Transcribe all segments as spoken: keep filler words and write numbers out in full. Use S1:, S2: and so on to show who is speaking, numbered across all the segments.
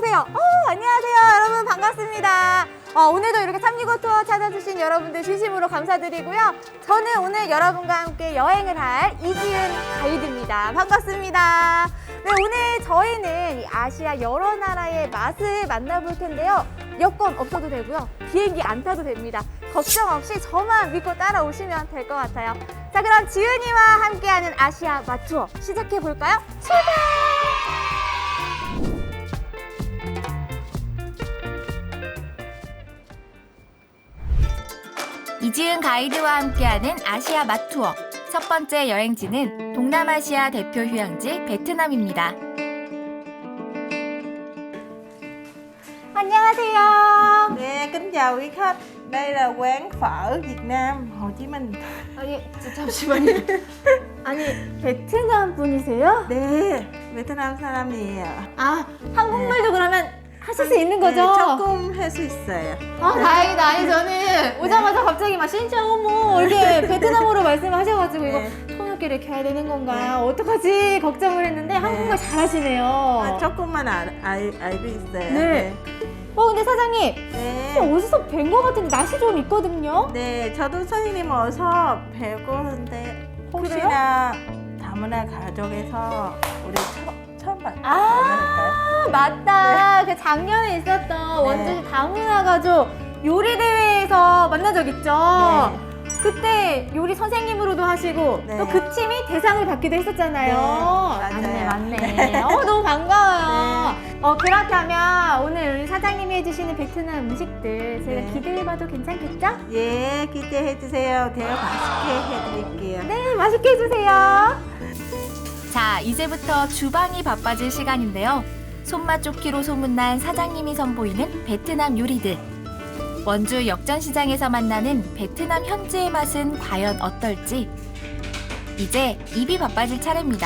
S1: 안녕하세요. 어, 안녕하세요. 여러분 반갑습니다. 어, 오늘도 이렇게 삼육오 투어 찾아주신 여러분들 진심으로 감사드리고요. 저는 오늘 여러분과 함께 여행을 할 이지은 가이드입니다. 반갑습니다. 네, 오늘 저희는 이 아시아 여러 나라의 맛을 만나볼 텐데요. 여권 없어도 되고요. 비행기 안 타도 됩니다. 걱정 없이 저만 믿고 따라오시면 될 것 같아요. 자, 그럼 지은이와 함께하는 아시아 맛 투어 시작해볼까요? 출발!
S2: 이지은 가이드와 함께하는 아시아 맛 투어. 첫 번째 여행지는 동남아시아 대표 휴양지 베트남입니다.
S1: 안녕하세요.
S3: 네, kính chào quý khách. Đây là quán phở Việt Nam, Hồ Chí Minh.
S1: 아니, 잠시만요. 아니, 베트남 분이세요?
S3: 네, 베트남 사람이에요.
S1: 아, 한국말도 그러면 하실 수 있는 거죠?
S3: 네, 조금 할 수 있어요.
S1: 아, 다행이다. 아니, 저는 오자마자 갑자기 막 진짜 어머 이렇게 베트남어로 말씀하셔가지고 이거
S3: 네.
S1: 통역기를 켜야 되는 건가요? 어떡하지? 걱정을 했는데 한국말 잘하시네요.
S3: 아, 조금만 알, 알, 알고 있어요.
S1: 네. 어, 근데 사장님,
S3: 네.
S1: 어디서 뵌 거 같은데 날씨 좀 있거든요?
S3: 네, 저도 선생님 어서 뵈고 하는데 혹시나 다문화 가족에서 우리 처, 처음 봤,
S1: 아, 맞다. 그 작년에 있었던 원주시 다문화 가족 요리 대회에서 만난 적 있죠?
S3: 네.
S1: 그때 요리 선생님으로도 하시고
S3: 네.
S1: 또 그 팀이 대상을 받기도 했었잖아요.
S3: 네,
S1: 맞네,
S3: 맞아요.
S1: 맞네. 어, 너무 반가워요. 어, 그렇다면 오늘 우리 사장님이 해주시는 베트남 음식들 제가
S3: 네.
S1: 기대해봐도 괜찮겠죠?
S3: 예, 기대해 주세요. 제가 맛있게 해드릴게요.
S1: 네, 맛있게 해주세요.
S2: 자, 이제부터 주방이 바빠질 시간인데요. 손맛 좋기로 소문난 사장님이 선보이는 베트남 요리들. 원주 역전시장에서 만나는 베트남 현지의 맛은 과연 어떨지. 이제 입이 바빠질 차례입니다.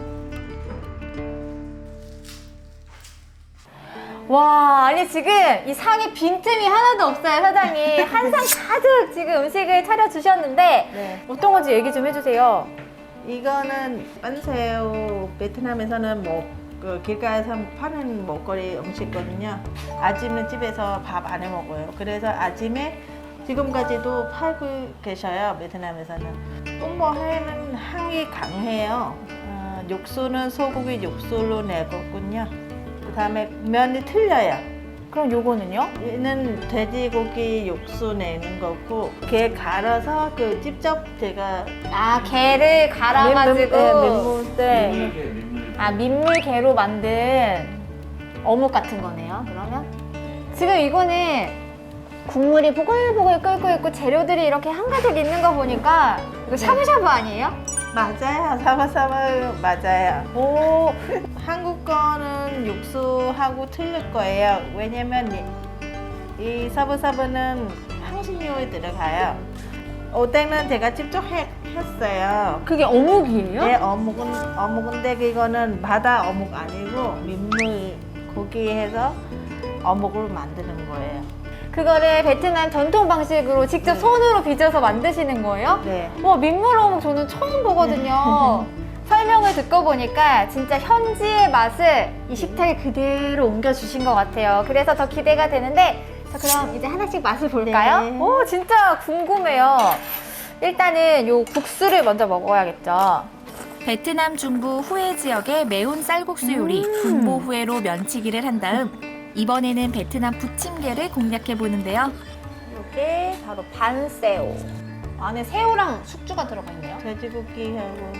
S1: 와, 아니 지금 이 상에 빈틈이 하나도 없어요, 사장님. 한 상 가득 지금 음식을 차려주셨는데
S3: 네.
S1: 어떤 건지 얘기 좀 해주세요.
S3: 이거는 빤새우, 베트남에서는 뭐 그 길가에서 파는 먹거리 음식거든요. 아침에 집에서 밥 안 해 먹어요. 그래서 아침에 지금까지도 팔고 계셔요, 베트남에서는. 뽕보회는 향이 강해요. 어, 육수는 소고기 육수로 내거든요. 그 다음에 면이 틀려요.
S1: 그럼 요거는요?
S3: 얘는 돼지고기 육수 내는 거고, 게 갈아서 그 직접 제가
S1: 아, 게를 갈아가지고
S3: 민물, 네, 민물.
S1: 네. 아, 민물게로 만든 어묵 같은 거네요, 그러면? 지금 이거는 국물이 보글보글 끓고 있고 재료들이 이렇게 한가득 있는 거 보니까 이거 샤브샤브 아니에요?
S3: 맞아요. 사바사바 맞아요.
S1: 오,
S3: 한국 거는 육수하고 틀릴 거예요. 왜냐면 이, 이 사브사브는 향신료에 들어가요. 오뎅은 제가 직접 해, 했어요.
S1: 그게 어묵이에요?
S3: 네, 어묵은 어묵인데 이거는 바다 어묵 아니고 민물 고기 해서 어묵을 만드는 거예요.
S1: 그거를 베트남 전통 방식으로 직접
S3: 네.
S1: 손으로 빚어서 만드시는 거예요?
S3: 네.
S1: 와, 민물 어묵 저는 처음 보거든요. 설명을 듣고 보니까 진짜 현지의 맛을 이 식탁에 그대로 옮겨주신 것 같아요. 그래서 더 기대가 되는데, 자, 그럼 이제 하나씩 맛을 볼까요?
S3: 네.
S1: 오, 진짜 궁금해요. 일단은 요 국수를 먼저 먹어야겠죠.
S2: 베트남 중부 후에 지역의 매운 쌀국수 요리 분보 후에로 면치기를 한 다음 이번에는 베트남 부침개를 공략해 보는데요.
S1: 이게 바로 반새우. 안에 새우랑 숙주가 들어가 있네요.
S3: 돼지고기하고.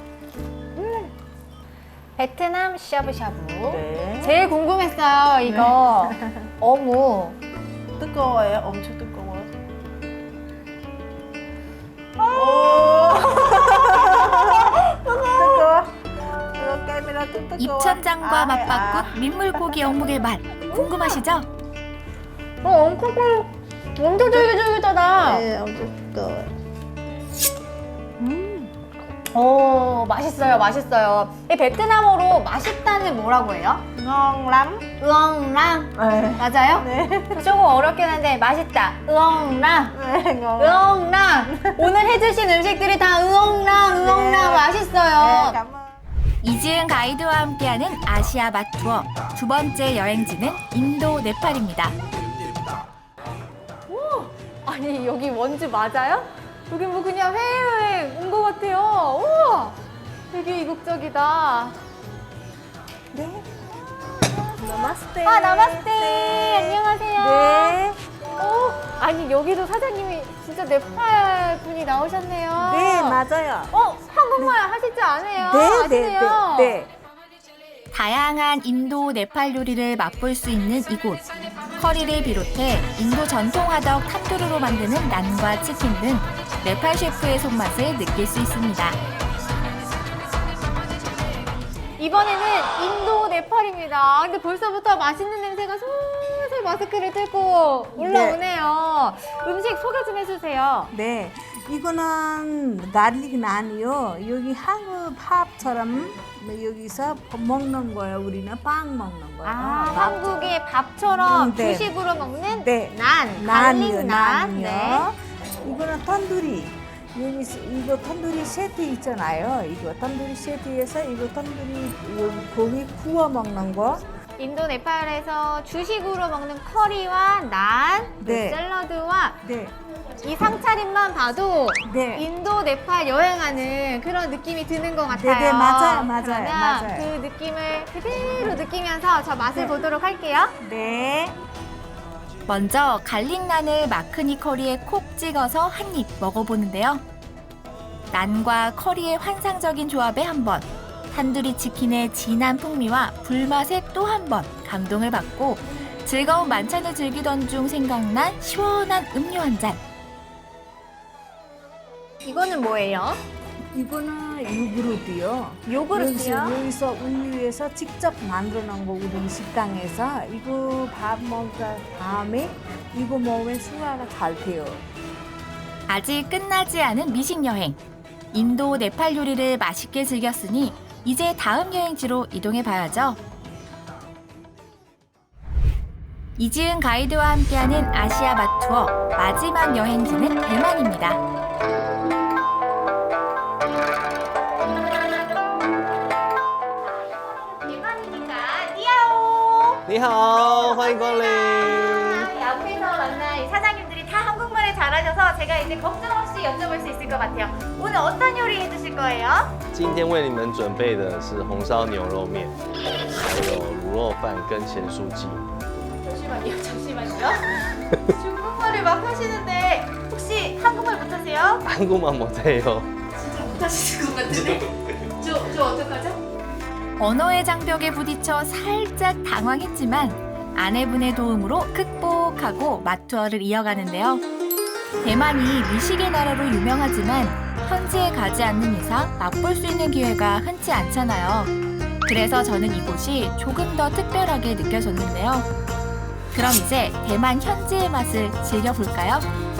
S1: 베트남 샤브샤브.
S3: 네.
S1: 제일 궁금했어요, 이거. 어묵.
S3: 뜨거워요. 엄청 뜨거워요. 뜨거워. 뜨거워. 까미라 또 뜨거워.
S2: 입천장과
S3: 아,
S2: 맞바꾼 민물고기 어묵의 맛 궁금하시죠?
S1: 어, 엄청 꿀, 엄청 쫄깃쫄깃하다.
S3: 네, 엄청 뜨거워요.
S1: 음. 오, 맛있어요, 맛있어요. 이 베트남어로 맛있다는 뭐라고 해요?
S3: ngon lắm.
S1: 으엉랑.
S3: 네.
S1: 맞아요?
S3: 네.
S1: 조금 어렵긴 한데 맛있다. 으엉랑.
S3: 네, ngon.
S1: 으엉랑. 오늘 해주신 음식들이 다 으엉랑, 으엉랑
S3: 네.
S1: 맛있어요.
S3: 네, cảm ơn.
S2: 이지은 가이드와 함께하는 아시아 맛 투어 두 번째 여행지는 인도 네팔입니다.
S1: 아니 여기 원주 맞아요? 여기 뭐 그냥 해외여행 온 것 같아요. 우와, 되게 이국적이다. 네.
S3: 나마스테.
S1: 아, 나마스테. 안녕하세요.
S3: 네.
S1: 어, 아니 여기도 사장님이 진짜 네팔 분이 나오셨네요.
S3: 네, 맞아요.
S1: 어, 한국말 하실 줄 아네요.
S3: 네,
S1: 아시네요.
S3: 네, 네.
S2: 다양한 인도 네팔 요리를 맛볼 수 있는 이곳. 커리를 비롯해 인도 전통 화덕 탄두르로 만드는 난과 치킨 등 네팔 셰프의 손맛을 느낄 수 있습니다.
S1: 이번에는 인도 네팔입니다. 근데 벌써부터 맛있는 냄새가 솔솔 마스크를 뚫고 올라오네요. 음식 소개 좀 해주세요.
S4: 네, 이거는 가릭 난이요. 여기 한국 밥처럼 여기서 먹는 거예요. 우리는 빵 먹는 거예요.
S1: 아,
S4: 밥.
S1: 한국의 밥처럼
S4: 음, 네.
S1: 주식으로 먹는
S4: 네.
S1: 난,
S4: 난이요,
S1: 갈릭 난.
S4: 난이요.
S1: 네.
S4: 이거는 탄두리. 여기 이거 탄두리 세트 있잖아요. 이거 탄두리 세트에서 이거 탄두리 이거 고기 구워 먹는 거.
S1: 인도 네팔에서 주식으로 먹는 커리와 난,
S4: 네.
S1: 샐러드와
S4: 네,
S1: 이 상차림만 봐도
S4: 네.
S1: 인도 네팔 여행하는 그런 느낌이 드는 것 같아요.
S4: 네, 네, 맞아요, 맞아요,
S1: 그러면
S4: 맞아요.
S1: 그 느낌을 그대로 느끼면서 저 맛을 보도록 할게요.
S4: 네.
S2: 먼저 갈릭난을 마크니 커리에 콕 찍어서 한 입 먹어보는데요. 난과 커리의 환상적인 조합에 한 번, 탄두리 치킨의 진한 풍미와 불맛에 또 한 번 감동을 받고 즐거운 만찬을 즐기던 중 생각난 시원한 음료 한 잔.
S1: 이거는 뭐예요?
S4: 이거는 요구르트요.
S1: 요구르트요?
S4: 여기서, 여기서 우유에서 직접 만들어 놓은 거 우리 식당에서 이거 밥 먹은 다음에 이거 먹으면 소화가 잘 돼요.
S2: 아직 끝나지 않은 미식 여행. 인도 네팔 요리를 맛있게 즐겼으니 이제 다음 여행지로 이동해 봐야죠. 이지은 가이드와 함께하는 아시아 맛 투어 마지막 여행지는 대만입니다.
S1: 대만이니까 니아오.
S5: 你好，欢迎光临。
S1: 앞에서 만난 이 사장님들이 다 한국말을 잘하셔서 제가 이제 걱정 없이 여쭤볼 수 있을 것 같아요. 오늘 어떤 요리 해주실 거예요?
S5: 今天为你们准备的是红烧牛肉面，还有卤肉饭跟咸酥鸡。
S1: 잠시만요, 잠시만요. 중국말을 막 하시는데 혹시 한국말 못하세요?
S5: 한국만 못해요.
S1: 진짜 못하시는 것 같은데. 저, 저 어떡하죠?
S2: 언어의 장벽에 부딪혀 살짝 당황했지만 아내분의 도움으로 극복하고 맛 투어를 이어가는데요. 대만이 미식의 나라로 유명하지만 현지에 가지 않는 이상 맛볼 수 있는 기회가 흔치 않잖아요. 그래서 저는 이곳이 조금 더 특별하게 느껴졌는데요. 그럼 이제 대만 현지의 맛을 즐겨볼까요?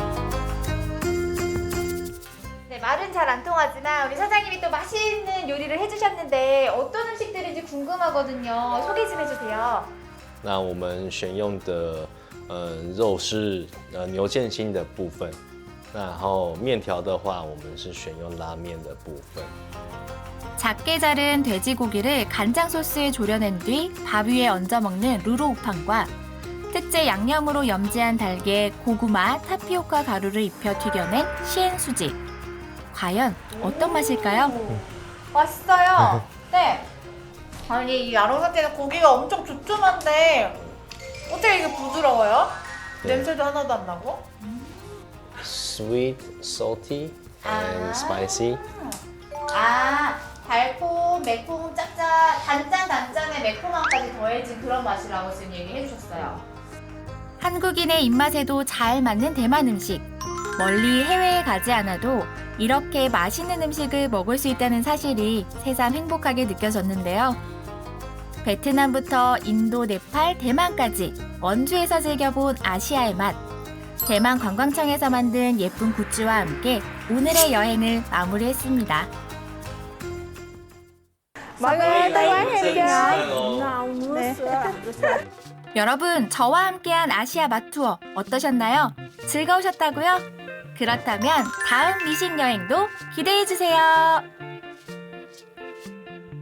S1: 네, 말은 잘 안 통하지만 우리 사장님이 또 맛있는 요리를 해주셨는데 어떤 음식들인지 궁금하거든요. 소개 좀 해주세요.
S5: 那我们选用的呃肉是呃牛腱心的部分，那然后面条的话，我们是选用拉面的部分。
S2: 작게 자른 돼지고기를 간장 소스에 졸여낸 뒤 밥 위에 얹어 먹는 루로우팡과 특제 양념으로 염지한 달걀에 고구마, 타피오카 가루를 입혀 튀겨낸 시엔수지. 과연 어떤 맛일까요?
S1: 맛있어요. 네. 아니 이 아롱사태는 고기가 엄청 두툼한데 어떻게 이게 부드러워요?
S5: 네.
S1: 냄새도 하나도 안 나고?
S5: Sweet, salty, and
S1: 아.
S5: spicy.
S1: 아 달콤, 매콤, 짭짭, 단짠 단짠의 매콤함까지 더해진 그런 맛이라고 지금 얘기해 주셨어요.
S2: 한국인의 입맛에도 잘 맞는 대만 음식. 멀리 해외에 가지 않아도 이렇게 맛있는 음식을 먹을 수 있다는 사실이 새삼 행복하게 느껴졌는데요. 베트남부터 인도, 네팔, 대만까지 원주에서 즐겨본 아시아의 맛. 대만 관광청에서 만든 예쁜 굿즈와 함께 오늘의 여행을 마무리했습니다. 여러분, 저와 함께한 아시아 맛 투어 어떠셨나요? 즐거우셨다고요? 그렇다면 다음 미식 여행도 기대해 주세요.